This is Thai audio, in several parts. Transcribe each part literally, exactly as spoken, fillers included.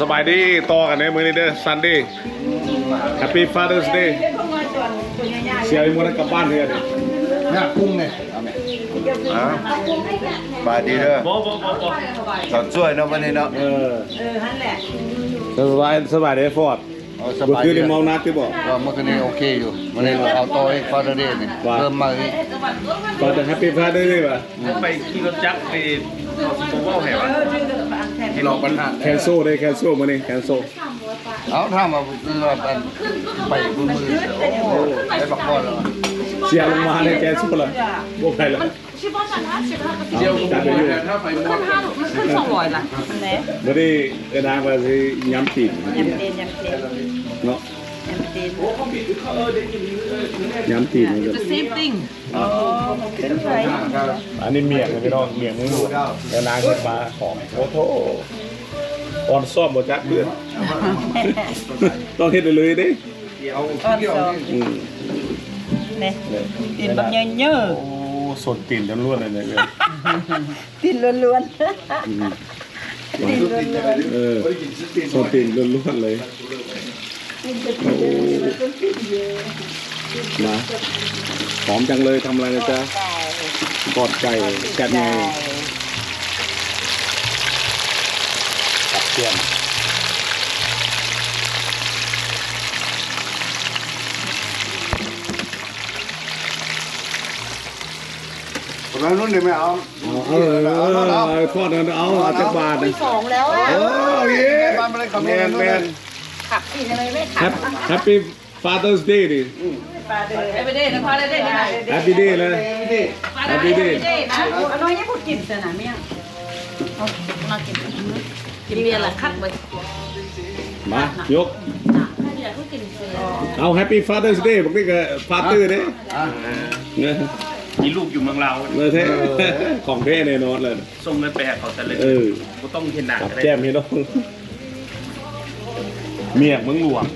สบายดีต่อกันในมือนี้เด้อซันดี้ Happy Father's Day เสียอีกมื้อนั้นกลับบ้านเลยดิเนี่ยกุ้งเนี่ยเอาไหมอ่าบายดีเด้อบ่บ่บ่บ่สอนช่วยเนาะวันนี้เนาะเออเออนั่นแหละสบายสบายเด้อฟอร์ดสบ่บายคือดีได้เมานักที่บ่ก็เมื่อกี้นี้โอเคอยู่วันนี้เอาต่ออีกฟาดเดย์นี่เริ่มมาอีกตอนจะ Happy Father's Day ป่ะไปขี่รถจักรไปเอาสิบโมงแห่วะให้ลองปัญหาแคนโซได้แคนโซมื้อนี้แคนโซเอาถ้ามาไปมือมือโอ้ได้บักบอลแล้วเสียลงมาในแคนโซล่ะบ่ไปแล้วเจียวกับหมูถ้าไฟมอดขึ้นสองร้อยละไหนมื้อนี้เอิ้นทางว่าสิยำตีนยำเตีนยำเตีนเนาะยำเตีนยำตีนนี่ก็ the same thing อ๋อเป็นไรอันนี้เมียงนะพี่น้องเมียงมึงดูแล้วนางขึ้นมาของโอ้โหอ่อนซ่อมหมดจักเพื่อนต้องเฮ็ดเลยดิอ่อนสองอืมเนี่ยตีนแบบเยอะโอ้สดตีนล้วนๆเลยเนี่ยๆตีนล้วนอืมๆตีนล้วนเออสดตีนล้วนๆเลยมาหอมจังเลยทำอะไรนะจ๊ะกอดไก่แกะไงตับเทียมคนนั้นนู้นเนี่ยไม่เอาเออเออทอดกันเอาจักบาทสองแล้วเออเย้บ้านไม่ได้คำแมนี้นแมนขับอีกทำไมไม่ขับ Happy Father's Day ดิไอ้ไปเด้นะพอได้เด้นะ Happy Day เลย Happy Day นะอันน้อยยังพูดกินแต่หนาเมี่ยงเอามากินกินเบียร์ละคัดไว้มายกอยากพูดกินเบียร์เอา Happy Father's Day บอกนี่ก็ Father เด้เนอะมีลูกอยู่เมืองลาวเนอะแท้ของแท้แน่นอนเลยส่งเงินไปให้เขาแต่เลยเออก็ต้องเห็นหนักกับได้แก้มพี่น้องเมียงมึงหลวง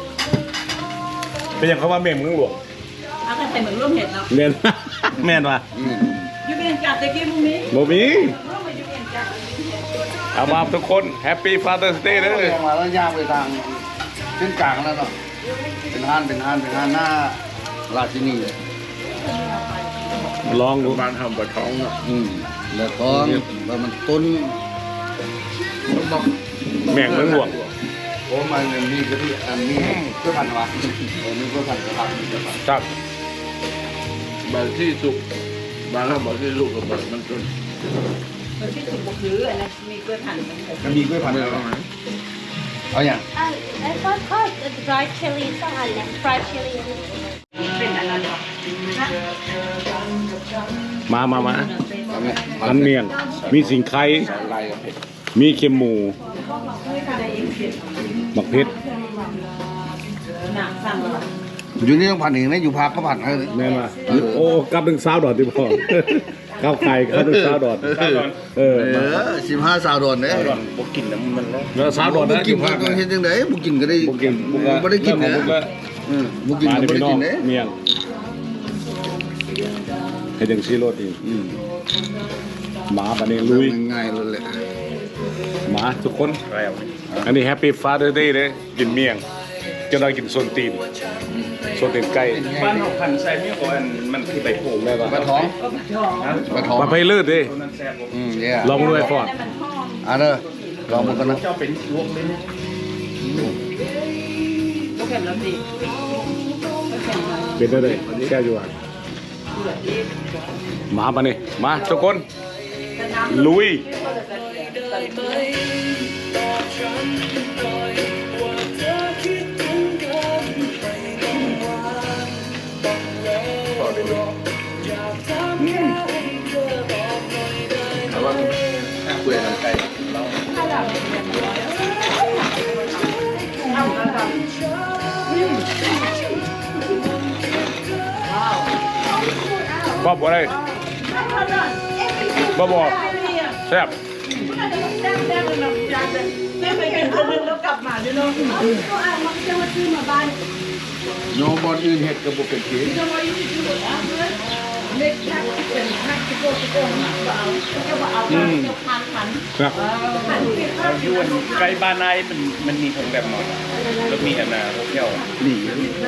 เป็นอย่างเขาว่าเมียงมึงหลวงเอากันแต่เหมือนร่วมเห็ดเนาะเมียน แม่นว่ะยูเบียนจัดตะกี้มึงนี้บ่มีร่วมไปยูเบียนจัดเอามาทุกคน Happy Father's Day เด้อเรียกมาแล้วย่างไปทางเส้นกลางแล้วเนาะเป็นห้านเป็นห้านเป็นห้านหน้าราชินีเลยลองดูบ้านทำปลาท้องเนาะอืมแล้วท้องแล้วมันต้นบอกแม่งมึงหลวงโอ้มันมีกะทิอันนี้เพื่อพันวะเออมีเพื่อพันกระพันกระพันครับบางที่สุกบางบางที่ลูกกับแบบมันต้นเออที่ถูกบอกคืออันนั้นมีกล้วยหั่นมันมันมีกล้วยพันธุ์ไม่แล้วเอาไหมเอาอย่าง Uh, I thought called uh, dried chili salad, fried chili. เป็นอันนั้นเหรอมามามาเอาไหมอันเมียง มีสิงไข่ลายกับเผ็ดมีเค็มหมูหมักเพชรหนักสั่งเหรออยู่นี่ต้องผัดเองนะอยู่พักก็ผัดให้เลยแม่นว่าโอ้กลับถึงสาวดอดที่พ่อ ข้าวไข่ข้าวถึงสาวดอดเออเออสิบห้าสาวโดนเนี่ยก่อนบอกกินน้ำมันแล้วแล้วสาวดอดบุนะอกินยู่ก็ภาคต้องเฮ็ดยังไงบุกินก็ได้บุกินบุกไม่ได้กินนะนะบุกแล้วอืมบุกินมาก็ในไม่พี่ได้น้อกิงนเนี่ยเมียงให้จังซีโรดอีกอืมหมาบัดนี้ลุยง่ายๆเลยแหละหมาทุกคนแล้วอันนี้แฮปปี้ฟาเธอร์เดย์เลยกินเมียงจะได้กินส่วนตีนส่วนตีนไก่บ้านเขาพันใส่ไม่ก่อนมันคือใบโผล่แม่ป่ะปลาท้องปลาท้องมาไพเลิศดิตัวนั้นแซ่บอืมเนี่ยลองดูไอ้ฟอร์ดอ่ะเด้อลองมันกันนะเจ้าเป็นลวกเลยนะก็เข็มแล้วสิก็เข็มแล้วเป็นได้เลยแก้อยู่อ่ะมาปะนี่มาทุกคนลุยแต่ว่าคุยกันไกลเราบ๊อบอะไรบ๊อบบอกแซ่บแม่ไปเป็นคนนึงแล้วกลับมาด้วยเนาะโยมบอลอื่นเห็ดกับบุกเป็นทีเเล็กนักเป็นนักที่โก้ที่โก้หนักก็เอาก็ว่าเอาก็พันพันครับพันที่พันยวนใกล้บ้านนายมันมันมีของแบบนอนแล้วมีอันนาโฮเทลหลี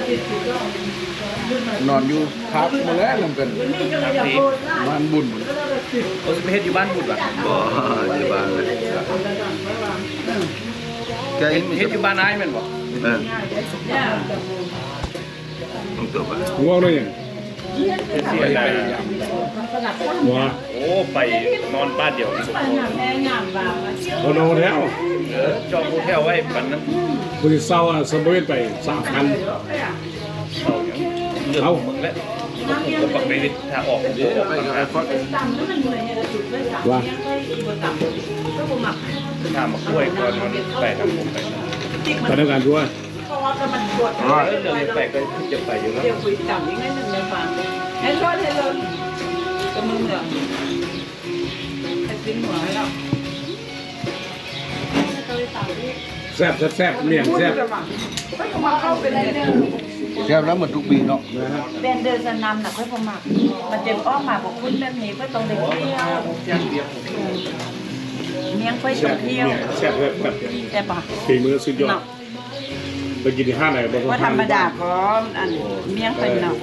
นอนอยู่พักมาแล้วนำกันที่บ้านบุญโอสเปเฮ็ดอยู่บ้านบุตรป่ะบ่อยู่บ้านเลยแกเฮ็ดมีเฮ็ดอยู่บ้านนายแม่นบ่เออต้องตัวบ้านง่วงด้วยยังเสียดายว้าโอ้ไปนอนบ้านเดียวนี่แม่งามบ่าวเอาโนแล้วเออจองโฮเทลไว้ปันนั้นคุณจะเศร้าอ่ะสมบูรณ์ไปสามพันเอาอย่างเรื่องของมึงแล้วผมปักไปถ้าออกเดี๋ยวไปกับไอ้ฟอสต่ำแล้วมันเหนื่อยเนี่ยจุดเลยค่ะว่ายังค่อยบนต่ำก็บ่หมักถ้ามากล้วยก่อนมันไปทำผมไปติ๊กพมันนักงานช่วยเพราะว่าก็มันปวดเออเรื่องนี้ไปก็จะไปอยู่แล้วเดี๋ยวคุยต่ำยังไงนึงเลยฟังให้รอดให้รอดก็มึงเหรอให้ปิ้งหัวให้เราแซ่บแซ่บแซ่บเมี่ยงแซ่บไม่ก็มาเข้าไปเลยเนี่ยแซ่บแล้วเหมือนทุกปีเนาะนะฮะเป็นเดินสนำหนักค่อยประมาทมันเจ็บอ้อมมาบอกคุณแบบนี้ก็ต้องเด็กเที่ยวเมียงค่อยแซ่ต้อบ งเที่ยวเมี่ยงแซ่บแบบแบบแต่ปะฝีมือสุดยอดไปกินที่ห้างไหนบ้างว่าธรรมดาพร้อมอันเมียงเป็นเนาะ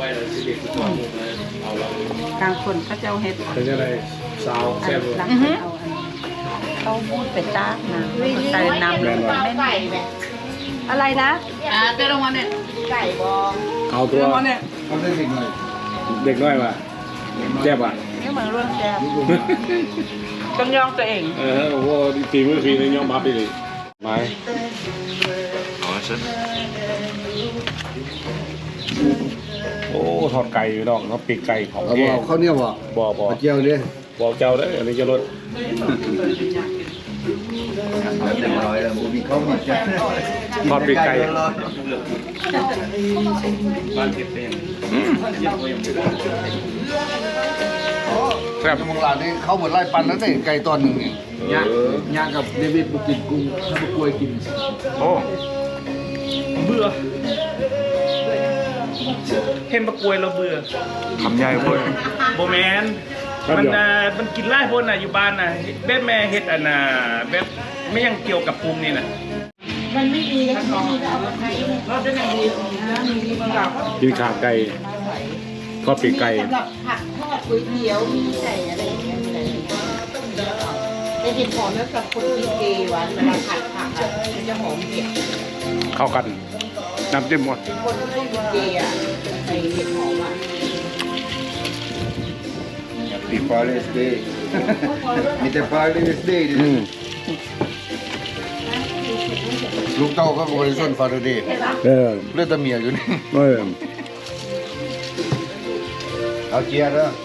กลางคนเขาจะเอาเห็ดเป็นยังไงสาวแซ่บเลยหลังเอาอันเขาพูดไปจ้านะใส่น้ำลงไปไม่ อะไรนะอ่าเต้ลงมาเนี่ยไก่บองเอาตัวลงมาเนี่ยเขาได้เด็กหน่อยเด็กน้อยว่ะแซ่บว่ะนี่เหมือนเรื่องแซ่บต้องยองตัวเองเออโอ้โหฝีมือฝีในยอมรับไปเลยไม้เอาซะโอ้ทอดไก่อยู่ดอกเขาปีกไก่ของเอาแก่เอาข้าวเหนียวบ่บ่บ่มาเจียวดิบอกเจ้าได้ออันนี้จะลดเต็มร้อยแล้วมีข้าวมีแซ่บทอดปีกไก่บ้านเฮ็ดเป็นแซ่บมองหลานนี่เขาเหมือนไล่ปันแล้วนี่ไก่ตอนหนึ่งนี่ย่างย่างกับเดวิดบุกินกุ้งถ้าบุกล้วยกินโอ้เบื่อเห็นปะกล้วยเราเบื่อคำใหญ่พุ่นโบแมนมันน่ะมันกินไล่พนน่ะอยู่บ้านน่ะแบบแม่เฮ็ดอันน่ะแบบไม่ยังเกี่ยวกับปรุงนี่น่ะมันไม่ดีแล้วไม่ดีก็เอามาให้เราจะไหนดีนะมีดีมันหลับกินขาไก่ทอดปีกไก่สำหรับผักทอดก๋วยเตี๋ยวมีใส่อะไรอย่างเงี้ยอะไรแต่เห็ดหอมแล้วกับคนกินเจหวานเวลาผัดผักอ่ะมันจะหอมเผ็ดเข้ากันน้ำจิ้มหมดคนที่ไม่กินเจอ่ะใส่เห็ดหอมอ่ะปีฟาเลสเดย์มีแต่ฟาเลสเดย์ดิอืมลูกเต้าก็บริสุทธิ์ฟาเลสเดย์เออเลือดตะเมียอยู่นี่เออเอาเจียร์เด้อ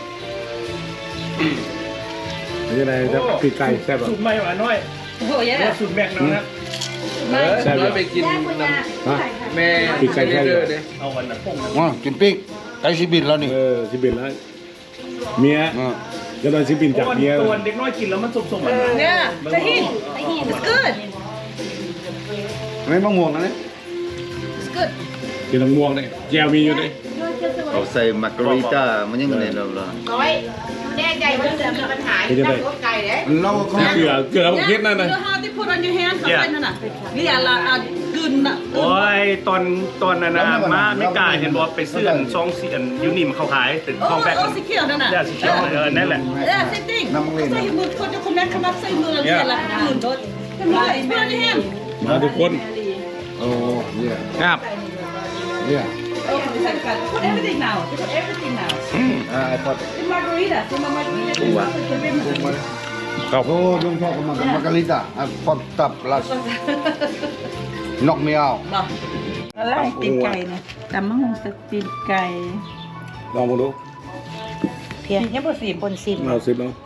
เป็นยังไงจะปีกไก่แซ่บป่ะสูตรใหม่หวานน้อยโอ้ยว่าสูตรแม็กน้องนะเออน้อยไปกินน้ฮะำแม่ปีกไก่แท้เด้อเด้เอาวันน่ะพงว่ากินปิ้งไก่สิบินแล้วนี่เออสิบินแล้วเมียอ่าจะโดนสิบินจากเมียตัวเด็กน้อยกินแล้วมันสมๆอ่ะเนี่ยจะหินจะหิน it's good ไม่มะม่วงนะเนี่ย it's good กินน้ำม่วงเลยแจวมีอยู่เลยเขาใส่มาการิต้ามันยังไงเราล่ะน้อยแน่ใจว่าจะมีปัญหาตั้งรถไก่เลยเราเขาเกลือเกลือผมคิดนั่นนะ You have to put on your hand เข้าไปนั่นน่ะนี่อะไรอ่ะกึนน่ะโอ้ยตอนตอนนั้นนะมาไม่กล้าเห็นบอกไปซื้ออันซองสีอันยูนิมเขาขายถึงโอ้ห้องแบกโอ้สีเขียวนั่นน่ะได้สีเขียวเออนั่นแหละเออ same thing ใส่มือคนจะคนแม่ขมับใส่มือแล้วเนี่ยละกึนรถทำไม put on your hand มาทุกคนโอ้เนี่ยครับเนี่ย Oh, put everything now. Put everything now. อ่าไอ้พอด The margarita. The margarita. ครับโอ้ลุงชอบกับมันมาการิต้าอ่ะพอดตับลัสนอกไม่เอาอะไรตีนไก่เนี่ยแต่มะฮงสตีนไก่ลองมาดูเพียงยังบ่สีปนซิมเอาสิบเนาะ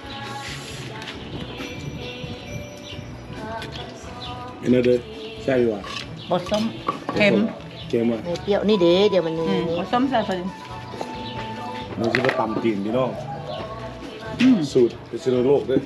อันนั้นเลยใช่ป่ะบดส้มเค็มเค็มอ่ะเปรี้ยวนี่เด้เดี๋ยวมันอืมบดส้มใส่พอดีมันชื่อว่าตำจีนพี่น้องสูตรพิษณุโลกด้วย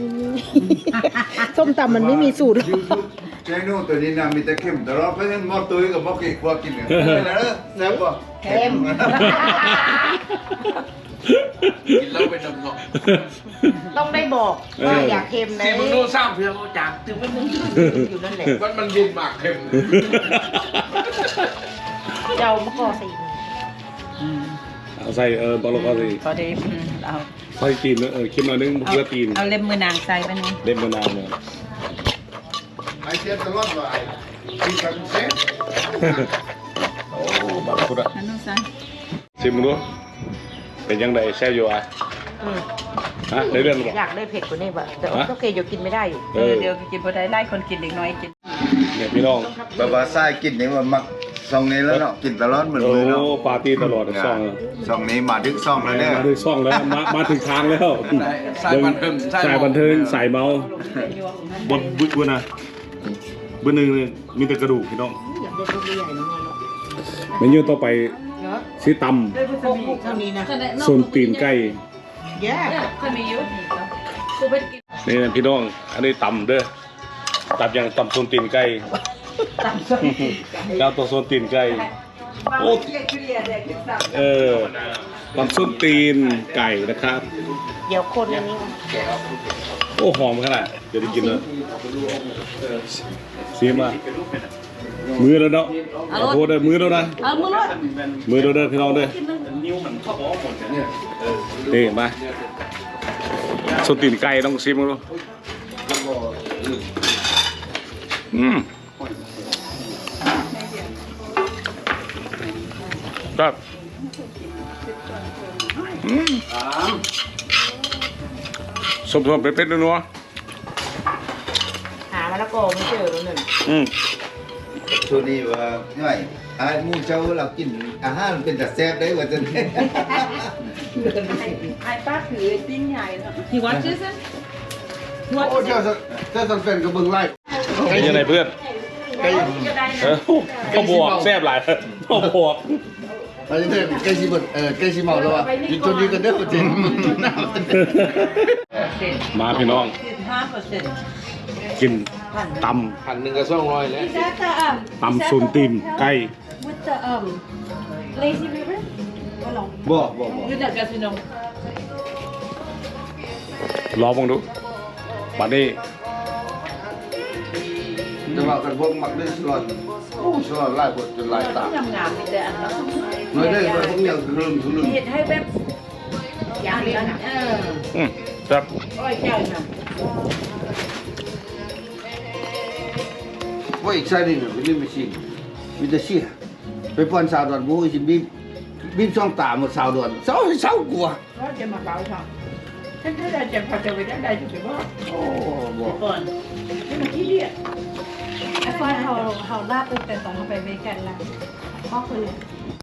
ส้มตำมันไม่มีสูตรเจนูตัวนี้นะมีแต่เข้มแต่เราไปเห็นหมอตุ้ยกับหมอเกกว่ากินเนี่ยแล้วแซ่บป่ะเค็มกินแล้วเป็นน้ำเนาะต้องได้บอกว่าอยากเค็มนะที่มึงโน้สร้างเพียงเอาจากถึงมันอยู่นั่นแหละมันมันยินหมากเค็มเจ้ามะกอกใส่อีกเอาใส่เออบอลลูนก็สิพอดีเอาใส่ตีนเออคิดหน่อยนึงเพื่อตีนเอาเล็บมือนางใส่ไปนี่เล่นมานานเนี่ยไอเสียตลอดว่าไอ้ที่ทำเซ็ตโอ้บักพุดอะอันนู้นใส่ชิมดูเป็นยังไงแซ่บอยู่อ่ะอืมฮะได้เรื่องหรือเปอล่ายากได้เผ็ดกว่านี้แบบแต่ฮะโอเคอยู่กินไม่ได้อยู่เอเอออเดี๋ยวกินบ่ได้ไล่คนกินเด็กน้อยกินเนี่ยพี่น้องบาบาซ่ากินนี่ว่ามักซองนี้แล้วเนาะกินตลอดเหมือนโอ้เลยเนาะปาร์ตี้ตลอดซ่องซองนี้มาถึงซองแล้วเนี่ยมาถึงซ่องแล้วมามาถึงทางแล้วสายบันเทิงสายบันเทิงสายเมาบนบึ้บนะบึ้หนึ่งเลยมีแต่กระดูกพี่น้องอยากได้ลูกใหญ่ๆน้องมันเมนูต่อไปเนาะซีตพวกพวกเท่านี้นะำส่วนตีนไก่แย่เคยมีอยู่กูไปกินนี่นะพี่น้อง อันนี้ตำเด้อตำอย่างตำส่วนตีนไก่แล้วตัวส่วนตีนไก่โอ้เออตำส่วนตีนไก่นะครับเดี๋ยวคนอันนี้โอ้หอมขนาดเดี๋ยวได้กินเลยซีมามือแล้วเนาะขอโทษเด้อมือแล้วนะเอามือรถมือเด้อเด้อพี่น้องเด้อนี่มาส่วนตีนไก่ต้องซิมดูอืมครับอืมสมสมเป๊ะๆนัวหามะละกอไม่เจอแล้วหนึ่งๆอืมช่วงนี้ว่าย่อยไอ้หมูเจ้าเรากินอาหารเป็นแต่แซ่บได้ว่าจะเนี่ยไอ้ป้าถือติ้งใหญ่แล้วที่วัดชื่อซิโอ้เจ้าเจ้าสันเฟนก็เบิ่งไล่เป็นยังไงเพื่อนไก่เออก็บวกแซ่บหลายก็บวกไก่เนี่ยไก่ชิบเออไก่ชิเมาแล้วอ่ะกินตัวนี้กันเด้อจริงมาพี่น้องห้าเปอร์เซ็นต์กินตพันหนึ่งก็สองร้อยแล้วำตำซุนตีนไก่ with the um lazy river ก็ลองบ่บ่บ่อยู่จากกาสิโนลองมองดูบัดนี้แต่ว่ากันพวกมักได้สลอดโอ้สลอดไล่บดจนลายตาทำงานมีแต่อันนั้นไม่ได้เลยพวกอย่างลืมทุลืมเห็ดให้แบบอย่างนี้นะเอออืมครับร้อยเจ้านะว่าอีกไซน์นึงเป็นนี่ไม่ชินมีแต่เชี่ยไปป้อนสาวดอนบูชิบีบีช่องตาหมดสาวดอนสาวสาวกลัวก็จะมาเบาช่องฉันถ้าได้จะพอจะไปได้จะไปว่าโอ้บ่ก่อนฉันมาที่เรียกไอ้ฟอยเขาเขาลาบเป็นแต่ตอนเขาไปเมกันแล้วพ่อคนเนี่ย